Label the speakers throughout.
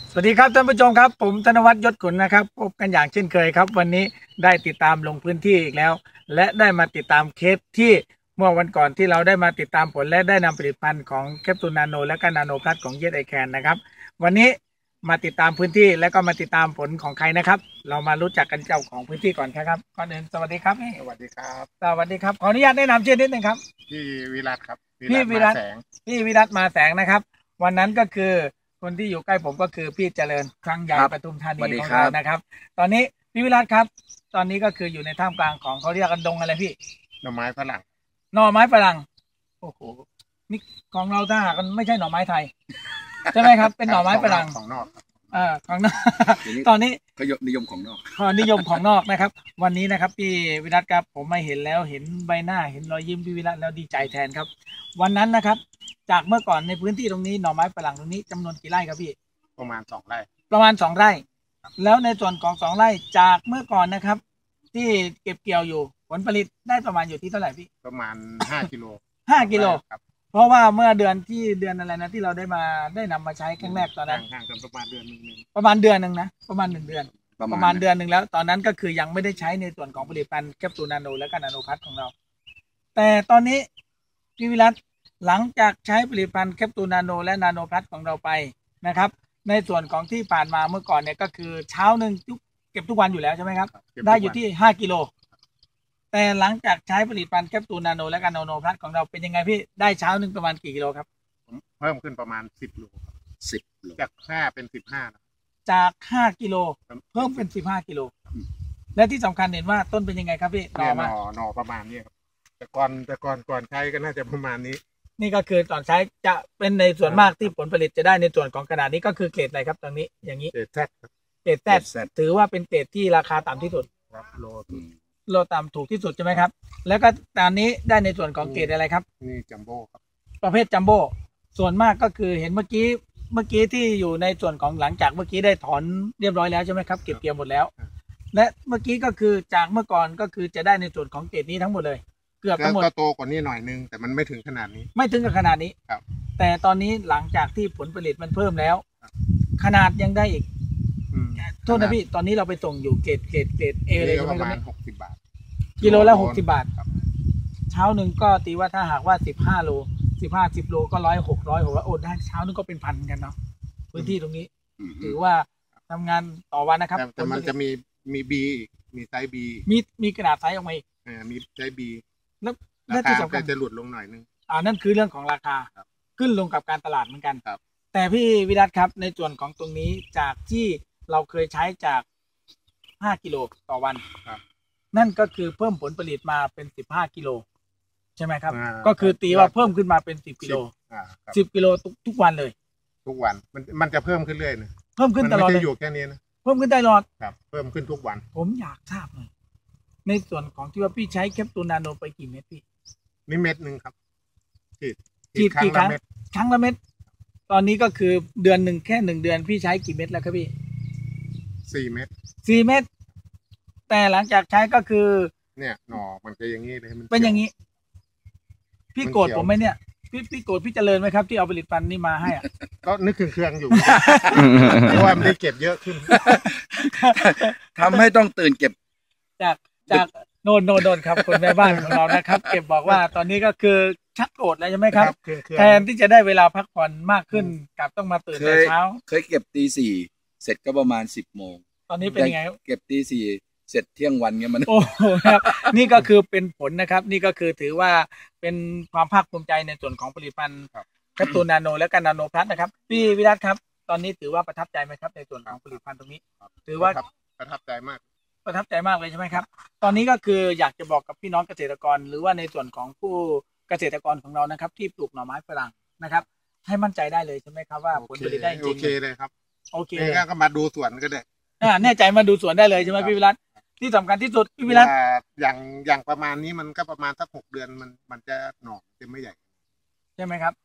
Speaker 1: สวัสดีครับท่านผู้ชมครับผมธนวัฒน์ยศขุนนะครับพบกันอย่างเช่นเคยครับวันนี้ได้ติดตามลงพื้นที่อีกแล้วและได้มาติดตามเคสที่เมื่อวันก่อนที่เราได้มาติดตามผลและได้นำผลิตภัณฑ์ของแคปซูลนาโนและก็นาโนพลัสของเยสไอแคนนะครับวันนี้มาติดตามพื้นที่และก็มาติดตามผลของใครนะครับเรามารู้จักกันเจ้าของพื้นที่ก่อนครับก่อนอื่นสวัสดีครับ
Speaker 2: สวัสดีครับ
Speaker 1: สวัสดีครับขออนุญาตแนะนำชื่อนิดนึงครับ
Speaker 2: พี่วิรัตครับ
Speaker 1: พี่วิรัต
Speaker 2: มาแสง
Speaker 1: พี่วิรัตมาแสงนะครับวันนั้นก็คือคนที่อยู่ใกล้ผมก็คือพี่เจริญครั้งใหญ่ปทุมธานีของเรานะครับตอนนี้พี่วิรัตครับตอนนี้ก็คืออยู่ในท่ามกลางของเขาเรียกกันดงอะไรพี่
Speaker 2: หน่อไม้ฝรั่ง
Speaker 1: หน่อไม้ฝรั่งโอ้โหนี่ของเราถ้าหากมันไม่ใช่หน่อไม้ไทยใช่ไหมครับเป็นหน่อไม้ฝรั่ง
Speaker 2: ของนอก
Speaker 1: ของนอกตอนนี้
Speaker 3: เขานิยมของนอก
Speaker 1: นิยมของนอกนะครับวันนี้นะครับพี่วิรัตครับผมมาเห็นแล้วเห็นใบหน้าเห็นรอยยิ้มพี่วิรัตแล้วดีใจแทนครับวันนั้นนะครับจากเมื่อก่อนในพื้นที่ตรงนี้หน่อไม้ฝรั่งตรงนี้จำนวนกี่ไร่ครับพี่
Speaker 2: ประมาณ2 ไร่
Speaker 1: ประมาณ2 ไร่แล้วในส่วนของ2 ไร่จากเมื่อก่อนนะครับที่เก็บเกี่ยวอยู่ผลผลิตได้ประมาณอยู่ที่เท่าไหร่พี่
Speaker 2: ประมาณ5 กิโล
Speaker 1: 5 กิโลครับเพราะว่าเมื่อเดือนอะไรนะที่เราได้นำมาใช้ครั้งแรกตอนนั้น
Speaker 2: ห่างกันประมาณเดือนนึง
Speaker 1: ประมาณเดือนนึงนะประมาณ1 เดือนประมาณเดือนนึงแล้วตอนนั้นก็คือยังไม่ได้ใช้ในส่วนของผลิตภัณฑ์แคปซูลนาโนและก็นาโนพัทของเราแต่ตอนนี้พี่วิรัตหลังจากใช้ผลิตภัณฑ์แคปซูลนาโนและนาโนพัทของเราไปนะครับในส่วนของที่ผ่านมาเมื่อก่อนเนี่ยก็คือเช้านึงเก็บทุกวันอยู่แล้วใช่ไหมครับได้อยู่ที่5 กิโลแต่หลังจากใช้ผลิตภัณฑ์แคปซูลนาโนและก็นาโนพัทของเราเป็นยังไงพี่ได้เช้านึงประมาณกี่กิโลครับ
Speaker 2: เพิ่มขึ้นประมาณ10 โลจาก5เป็น15นะ
Speaker 1: จาก5 กิโลเพิ่มเป็น15 กิโลและที่สำคัญเห็นว่าต้นเป็นยังไงครับพี่
Speaker 2: หน่อประมาณนี้ครับแต่ก่อนใช้ก็น่าจะประมาณนี้
Speaker 1: นี่ก็คือตอนใช้จะเป็นในส่วนมากที่ผลผลิตจะได้ในส่วนของขนาดนี้ก็คือเกรดอะไรครับตรงนี้อย่างนี้
Speaker 2: เกรด Z
Speaker 1: เกรด Z ถือว่าเป็นเกรดที่ราคาต่ำที่สุด
Speaker 2: ครับ
Speaker 1: โลต่ำถูกที่สุดใช่ไหมครับแล้วก็ตอนนี้ได้ในส่วนของเกรดอะไรครับ
Speaker 2: นี่จัมโบ้ครับ
Speaker 1: ประเภทจัมโบ้ส่วนมากก็คือเห็นเมื่อกี้ที่อยู่ในส่วนของหลังจากเมื่อกี้ได้ถอนเรียบร้อยแล้วใช่ไหมครับเก็บเกี่ยวหมดแล้วและเมื่อกี้ก็คือจากเมื่อก่อนก็คือจะได้ในส่วนของเกรดนี้ทั้งหมดเลยเกือบทั้งหมด
Speaker 2: ก็โตกว่านี้หน่อยนึงแต่มันไม่ถึงขนาดนี้
Speaker 1: ไม่ถึงกับขนาดนี้
Speaker 2: ครับ
Speaker 1: แต่ตอนนี้หลังจากที่ผลผลิตมันเพิ่มแล้วขนาดยังได้อีกโทษนะพี่ตอนนี้เราไปส่งอยู่เกรดเอเลยใช่ไหม
Speaker 2: ประมาณ60 บาท
Speaker 1: กิโลละ60 บาทเช้าหนึ่งก็ตีว่าถ้าหากว่า15 โล10 โลก็100 600โอนได้เช้านึงก็เป็นพันกันเนาะพื้นที่ตรงนี้ถือว่าทำงานต่อวันนะครับ
Speaker 2: แต่มันจะมีบีมีไซส์บี
Speaker 1: มีกระดาษไซส์ออกมาอีก
Speaker 2: มีไซส์บี
Speaker 1: แล้วที่สำคัญ
Speaker 2: จะหลุดลงหน่อยนึง
Speaker 1: นั่นคือเรื่องของราคาขึ้นลงกับการตลาดเหมือนกันแต่พี่วิรัตครับในส่วนของตรงนี้จากที่เราเคยใช้จาก5 กิโลต่อวันนั่นก็คือเพิ่มผลผลิtoมาเป็น15 กิโลใช่ไหมครับก็คือตีว่าเพิ่มขึ้นมาเป็น10 กิโล10 กิโลทุกวันเลย
Speaker 2: ทุกวันมันจะเพิ่มขึ้นเรื่อยนะ
Speaker 1: เพิ่มขึ้นตลอด
Speaker 2: เลยอยู่แค่นี้นะ
Speaker 1: เพิ่มขึ้นตลอด
Speaker 2: ครับเพิ่มขึ้นทุกวัน
Speaker 1: ผมอยากทราบหน่อยในส่วนของที่ว่าพี่ใช้แคปซูลนาโนไปกี่เม็ดพี่
Speaker 2: นี่เม็ดนึงครับ
Speaker 1: ฉีดกี่ครั้งละเม็ดตอนนี้ก็คือเดือนหนึ่งแค่1 เดือนพี่ใช้กี่เม็ดแล้วครับพี่
Speaker 2: 4 เม็ด
Speaker 1: แต่หลังจากใช้ก็คือ
Speaker 2: เนี่ยหน่อมันจะอย่างนี้เลย
Speaker 1: เป็นอย่างนี้พี่โกรธผมไหมเนี่ยพี่โกรธพี่เจริญไหมครับที่เอาผลิตภัณฑ์นี้มาให้
Speaker 2: ก็นึกเครื่องอยู่เพราะว่ามันได้เก็บเยอะขึ้น
Speaker 3: ทำให้ต้องตื่นเก็บ
Speaker 1: จากโน่นครับคนแม่บ้านของเรานะครับเก็บบอกว่าตอนนี้ก็คือชักโกรธแล้วใช่ไหมครับแทนที่จะได้เวลาพักผ่อนมากขึ้นกลับต้องมาตื่นแต่เช้า
Speaker 3: เคยเก็บตี 4เสร็จก็ประมาณ10 โมง
Speaker 1: ตอนนี้เป็นยังไง
Speaker 3: เก็บตี 4เสร็จเที่ยงวันเงี้ยมัน
Speaker 1: โอ้ครับนี่ก็คือเป็นผลนะครับนี่ก็คือถือว่าเป็นความภาคภูมิใจในส่วนของผลิตภัณฑ์แคปซูลนาโนและก็นาโนพลัสนะครับพี่วิรัตครับตอนนี้ถือว่าประทับใจไหมครับในส่วนของผลิตภัณฑ์ตรงนี้ถือว่า
Speaker 2: ประทับใจมาก
Speaker 1: เลยใช่ไหมครับตอนนี้ก็คืออยากจะบอกกับพี่น้องเกษตรกรหรือว่าในส่วนของผู้เกษตรกรของเรานะครับที่ปลูกหน่อไม้ฝรั่งนะครับให้มั่นใจได้เลยใช่ไหมครับว่าผลผลิตได้จริง
Speaker 2: โอเคเลยครับ
Speaker 1: โอเค
Speaker 2: ก็มาดูสวนก็ได้
Speaker 1: แน่ใจมาดูสวนได้เลยใช่ไหมพี่วิรัตที่สำคัญที่สุดพี่วิรัต
Speaker 2: อย่างประมาณนี้มันก็ประมาณสัก6 เดือนมันจะหน่อจะไม่ใหญ่
Speaker 1: ใช่ไหมครับ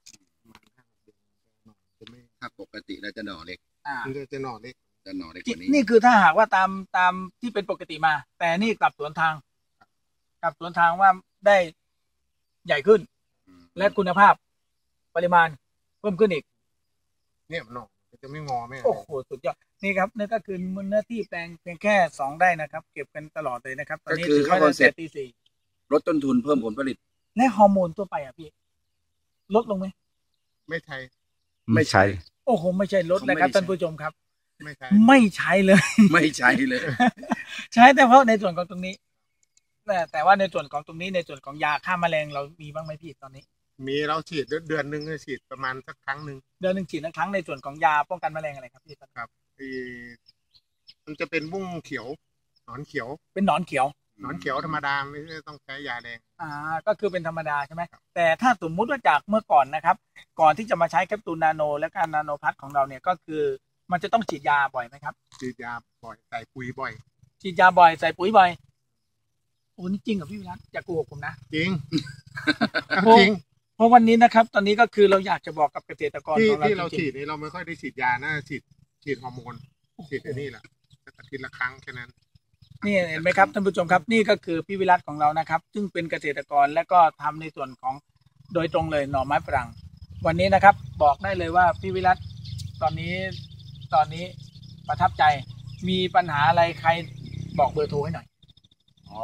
Speaker 2: จะไม่
Speaker 3: ถ้าปกติแล้วจะหน่อเล็ก
Speaker 2: จะหน่อเล็ก
Speaker 3: กว่านี้
Speaker 1: นี่คือถ้าหากว่าตามที่เป็นปกติมาแต่นี่กลับสวนทางว่าได้ใหญ่ขึ้นและคุณภาพปริมาณเพิ่มขึ้นอีก
Speaker 2: เนี่ยหน่อจะไม่งอไม่อะไร
Speaker 1: โอ้โหสุดยอดนี่ครับนี่ก็คือเนื้อที่แปลงเพียงแค่2 ไร่นะครับ เก็บกันตลอดเลยนะครับตอนนี้
Speaker 3: ก็คือ
Speaker 1: ถือว่า
Speaker 3: เข้าคอนเซ็ปต์
Speaker 1: ตีสี่
Speaker 3: ลดต้นทุนเพิ่มผลผลิต
Speaker 1: และฮอร์โมนตัวไปอ่ะพี่ลดลงไหม
Speaker 2: ไม่ใช่
Speaker 3: ไม่ใช่
Speaker 1: โอ้โหไม่ใช่ลดนะครับท่านผู้ชมครับ
Speaker 2: ไม่ใช่
Speaker 1: ไม่ใช้เลย
Speaker 3: ไม่ใช่เลย
Speaker 1: ใช้แต่เพราะในส่วนของตรงนี้แต่ว่าในส่วนของตรงนี้ในส่วนของยาฆ่าแมลงเรามีบ้างไหมพี่ตอนนี้
Speaker 2: มีเราฉีดเดือนหนึ่งฉีดประมาณสักครั้งหนึ่ง
Speaker 1: เดือนหนึ่งฉีดครั้งในส่วนของยาป้องกันแมลงอะไรครับพี่
Speaker 2: ครับมันจะเป็นบุ้งเขียวหนอนเขียว
Speaker 1: เป็นหนอนเขียว
Speaker 2: หนอนเขียวธรรมดาไม่ได้ต้องใช้ยาแรง
Speaker 1: ก็คือเป็นธรรมดาใช่ไหมแต่ถ้าสมมุติว่าจากเมื่อก่อนนะครับก่อนที่จะมาใช้แคปซูลนาโนและการนาโนพัทของเราเนี่ยก็คือมันจะต้องฉีดยาบ่อยไหมครับ
Speaker 2: ฉีดยาบ่อยใส่ปุ๋ยบ่อย
Speaker 1: ฉีดยาบ่อยใส่ปุ๋ยบ่อยโอ้นี่จริงเหรอพี่วิรัตอย่าโกหกผมนะ
Speaker 2: จริง
Speaker 1: โอ้
Speaker 2: จริง
Speaker 1: เพราะวันนี้นะครับตอนนี้ก็คือเราอยากจะบอกกับเกษตรกรของเรา
Speaker 2: ที่เรา
Speaker 1: จริ
Speaker 2: ฉี
Speaker 1: ง
Speaker 2: ดนี่เราไม่ค่อยได้ฉีดยานะฉีดฮอร์โมนฉีดอันนี้แหละอาทิตย์ละครั้งแค่นั้น
Speaker 1: ๆนี่เห็นไหมครับท่านผู้ชมครับนี่ก็คือพี่วิรัตของเรานะครับ ซึ่งเป็นเกษตรกรและก็ทำในส่วนของโดยตรงเลยหน่อไม้ฝรั่งวันนี้นะครับบอกได้เลยว่าพี่วิรัตตอนนี้ประทับใจมีปัญหาอะไรใครบอกเบอร์โทรให้หน่อย
Speaker 2: อ๋อ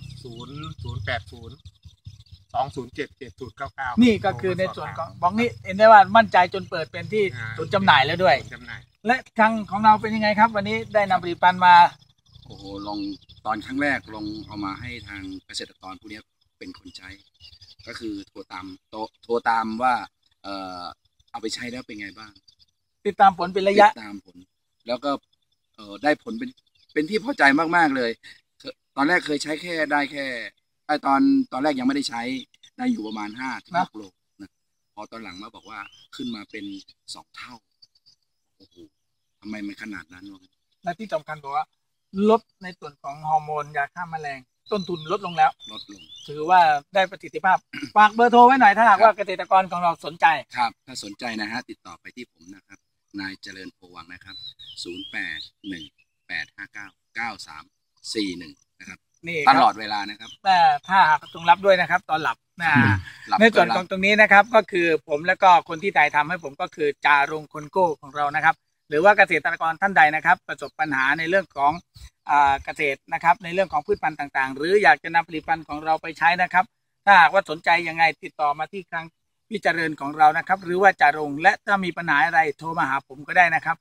Speaker 2: 08082077099
Speaker 1: นี่ก็คือในส่วนของบอกนี่เห็นได้ว่ามั่นใจจนเปิดเป็นที่ศูนย์จำหน่ายแล้วด้วย
Speaker 2: จำหน่าย
Speaker 1: และทางของเราเป็นยังไงครับ วันนี้ได้นำผลิตภัณฑ์มา
Speaker 3: โอ้โหลองตอนครั้งแรกลองเอามาให้ทางเกษตรกรผู้นี้เป็นคนใช้ ก็คือโทรตามว่าเอาไปใช้แล้วเป็นไงบ้าง
Speaker 1: ติดตามผลเป็นระยะ
Speaker 3: ติดตามผล แล้วก็ได้ผลเป็นที่พอใจมากๆเลยตอนแรกเคยใช้ได้แค่ตอนแรกยังไม่ได้ใช้ได้อยู่ประมาณ5-6 โลนะพอตอนหลังมาบอกว่าขึ้นมาเป็น2 เท่าโอ้โหทำไมมันขนาดนั้นวะ
Speaker 1: และที่สำคัญบอกว่าลดในส่วนของฮอร์โมนยาฆ่าแมลง ต้นทุนลดลงแล้ว
Speaker 3: ลดลง
Speaker 1: ถือว่าได้ประสิทธิภาพ ฝากเบอร์โทรไว้หน่อยถ้าหากว่าเกษตรกรของเราสนใจ
Speaker 3: ครับถ้าสนใจนะฮะติดต่อไปที่ผมนะครับนายเจริญโพวังนะครับ0818599341นะครับ
Speaker 1: นี่
Speaker 3: ต
Speaker 1: ค
Speaker 3: ลอ
Speaker 1: รับ
Speaker 3: ดเวลานะครับ
Speaker 1: แต่ถ้าหากต้องรับด้วยนะครับ ตอนหลับในส่วนของตรงนี้นะครับ ก็คือผมและก็คนที่ถ่ายทำให้ผมก็คือจารงคนโก้ของเรานะครับ หรือว่าเกษตรกรท่านใดนะครับ ประสบปัญหาในเรื่องของเกษตรนะครับ ในเรื่องของพืชพันธุ์ต่างๆ หรืออยากจะนำผลิตภัณฑ์ของเราไปใช้นะครับ ถ้าหากว่าสนใจยังไงติดต่อมาที่ครั้งพี่เจริญของเรานะครับ หรือว่าจารงและถ้ามีปัญหาอะไรโทรมาหาผมก็ได้นะครับ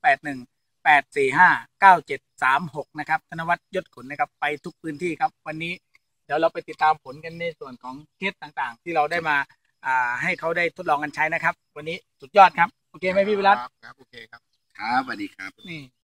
Speaker 1: 0818459736นะครับธนวัฒน์ยศขนนะครับไปทุกพื้นที่ครับวันนี้เดี๋ยวเราไปติดตามผลกันในส่วนของเคสต่างๆ ที่เราได้มาให้เขาได้ทดลองกันใช้นะครับ วันนี้สุดยอดครับโอเคไหมพี่วิรัต
Speaker 2: ครับโอเคครับ
Speaker 3: ครับสวัสดีครับ
Speaker 1: นี่